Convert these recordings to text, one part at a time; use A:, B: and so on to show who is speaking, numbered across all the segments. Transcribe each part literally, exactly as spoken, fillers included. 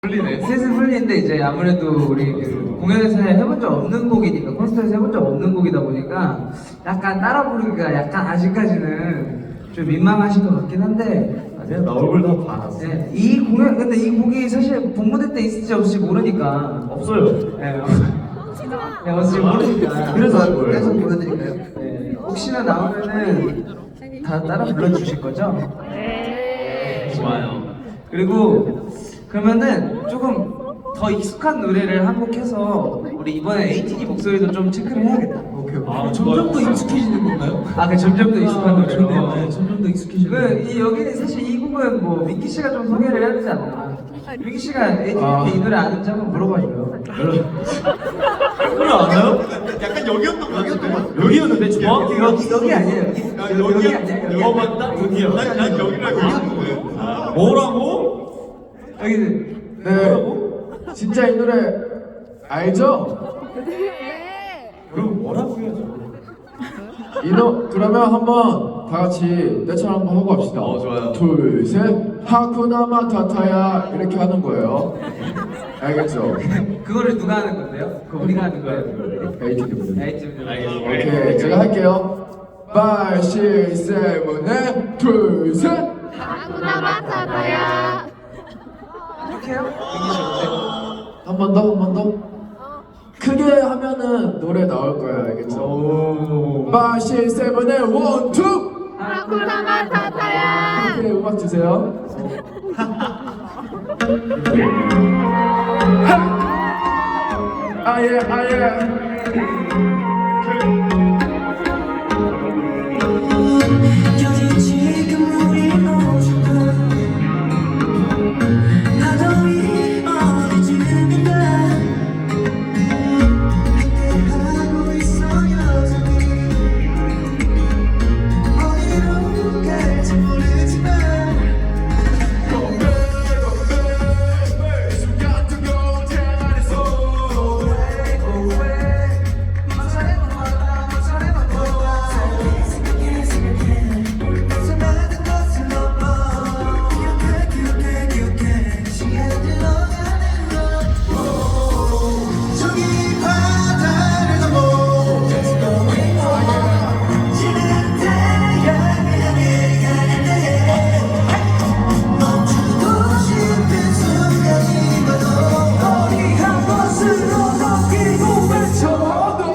A: 풀리네. 슬슬 풀리는데 이제 아무래도 우리 그 공연에서 해본 적 없는 곡이니까 콘서트에서 해본 적 없는 곡이다 보니까 약간 따라 부르기가 약간 아직까지는 좀 민망하신 것 같긴 한데
B: 아니야, 나 얼굴 다 봐놨어.
A: 네, 이 공연 근데 이 곡이 사실 본무대 때 있을지 없을지 모르니까
B: 없어요.
A: 네, 네 없을지 모르니까
B: 그래서 할 거예요.
A: 계속 보여드릴까요? 네, 혹시나 나오면은 다 따라 불러주실 거죠?
C: 네.
B: 좋아요.
A: 그리고 그러면은 조금 더 익숙한 노래를 한 곡 해서 우리 이번에 에이티니 목소리도 좀 체크를 해야겠다.
B: 오케이, 오케이.
D: 아, 점점 더 익숙해지는 건가요?
A: 아, 그 점점 더 익숙한 노래.
D: 좋네요. 네, 점점 더 익숙해지는
A: 그, 이, 여기는 사실 이 곡은 뭐 민기 씨가 좀 소개를 해야 되지 않나? 민기 씨가 에이티니
B: 아.
A: 이 노래 아는지 한번 물어봐줘요.
B: 그래 알아요?
E: 약간 여기였던 것 같은데.
B: 여기였는데 좋아?
A: 여기, 여기 아니에요. 여기,
E: 야,
A: 여기, 여기
E: 여기야?
A: 아니에요. 여기
B: 어
A: 아니에요.
B: 맞다? 여기야.
E: 난, 난 여기라고 했는데. 아,
B: 뭐라고?
A: 여기는.
F: 네, 진짜 이 노래 알죠?
B: 그럼 뭐라고 해야죠?
F: 이 노 그러면 한번 다 같이 떼처럼 한번 하고 합시다.
E: 어, 좋아요.
F: 둘, 셋, 하쿠나 마타타야 이렇게 하는 거예요. 알겠죠?
A: 그거를 누가 하는 건데요? 그거 우리가 하는 거예요?
F: 에이티니 분들.
A: 에이티니.
B: 알겠습니다.
F: 오케이, 제가 할게요. 오, 육, 칠, 팔, 둘, 셋.
C: 아구나 마타다야.
A: 이렇게 해요? 민기 씨 어때?
F: 한 번 더, 한 번 더. 크게 하면은 노래 나올 거예요, 알겠죠?
B: 오.
F: 오, 육, 칠, 팔, 원, 투.
C: 아구나 마타다야.
F: 오케이, 음악 주세요. 아예, 아예.
G: 여기 지금 우리 오죽한 파도 위 어디쯤인가 함께하고 있어 여전히 어디로 갈지 모르지만 생각해 생각해 수많은 것을 넘어 기억해 기억해 기억해 시간이 흘러가는 것 저기 바다를 넘어 Just going on 지는 태양을 향해 가는데 멈추고 싶은 순간이마도 어디 한 곳으로 넘기고 외쳐도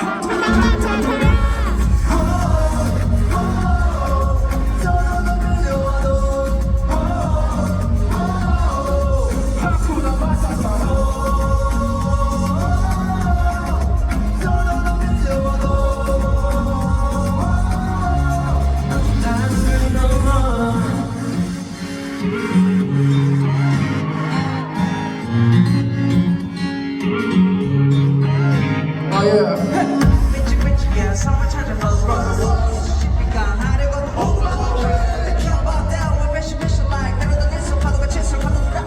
F: 아예.
G: 왠지 왠지야 상을 찾아봐 쉽게 하려고 They can't bow down when mission mission like 내려다 내서 파도가 칠수 파도가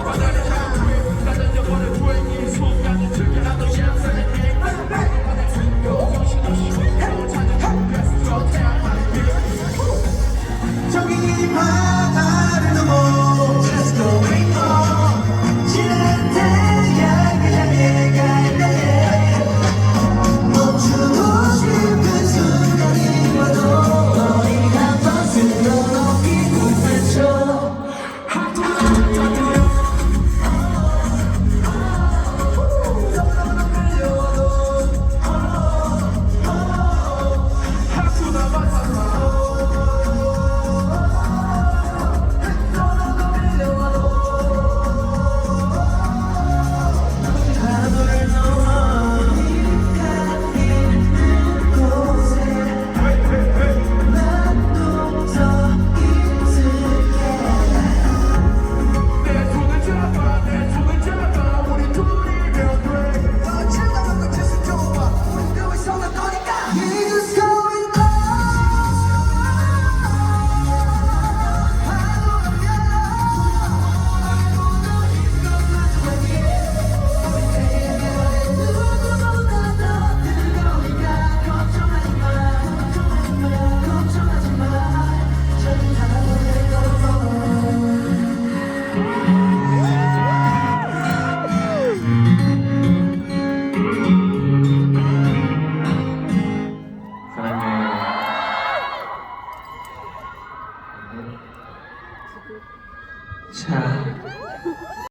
G: 저기 바다를 넘어 Just going on 지는 태양을 향해 가는데 멈추고
B: 사랑해.
A: 자